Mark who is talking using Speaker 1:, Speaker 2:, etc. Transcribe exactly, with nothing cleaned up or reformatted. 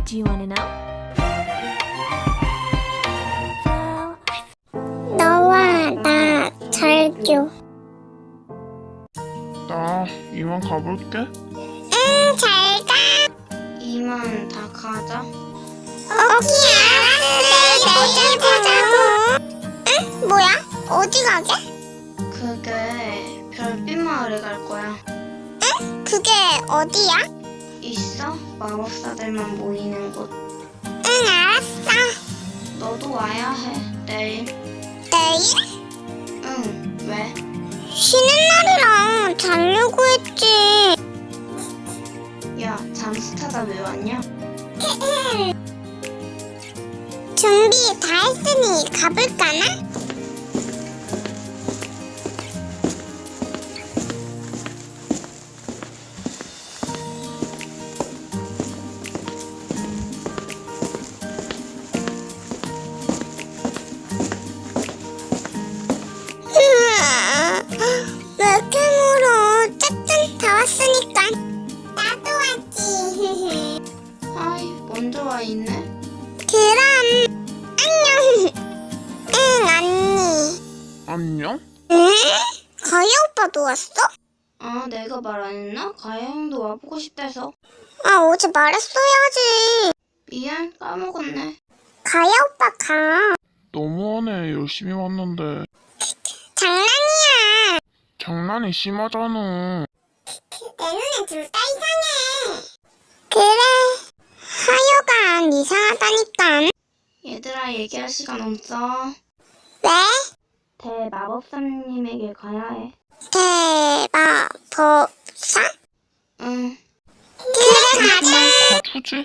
Speaker 1: Do you want to know?
Speaker 2: 너와 나 잘줘.
Speaker 3: 나 이만 가볼게.
Speaker 2: 응, 잘 가.
Speaker 4: 이만 다 가자.
Speaker 2: 오케이, 알았어. 내일 보자고. 응? 뭐야? 어디 가게?
Speaker 4: 그게 별빛 마을에 갈 거야.
Speaker 2: 응? 그게 어디야?
Speaker 4: 있어? 마법사들만 모이는 곳.
Speaker 2: 응, 알았어.
Speaker 4: 너도 와야 해. 내일.
Speaker 2: 내일?
Speaker 4: 응. 왜?
Speaker 2: 쉬는 날이랑 자려고 했지.
Speaker 4: 야, 잠수 타다 왜 왔냐?
Speaker 2: 준비 다 했으니 가볼까나? 왜 이렇게 멀어? 짜짠, 다 왔으니까. 나도 왔지.
Speaker 4: 아이, 먼저 와 있네.
Speaker 2: 그럼 안녕. 응, 언니.
Speaker 3: 안녕?
Speaker 2: 응? 가희 오빠도 왔어?
Speaker 4: 아, 내가 말 안 했나? 가야 형도 와보고 싶대서.
Speaker 2: 아, 어제 말했어야지.
Speaker 4: 미안, 까먹었네.
Speaker 2: 가희 오빠 가.
Speaker 3: 너무하네. 열심히 왔는데.
Speaker 2: 장난이야.
Speaker 3: 장난이 심하잖아.
Speaker 2: 내 눈엔 둘 다 이상해. 그래. 하여간 이상하다니까.
Speaker 4: 얘들아, 얘기할 시간 없어.
Speaker 2: 왜?
Speaker 4: 대마법사님에게 가야 해.
Speaker 2: 대마법사?
Speaker 4: 응.
Speaker 2: 그래, 가자.
Speaker 3: 가주지?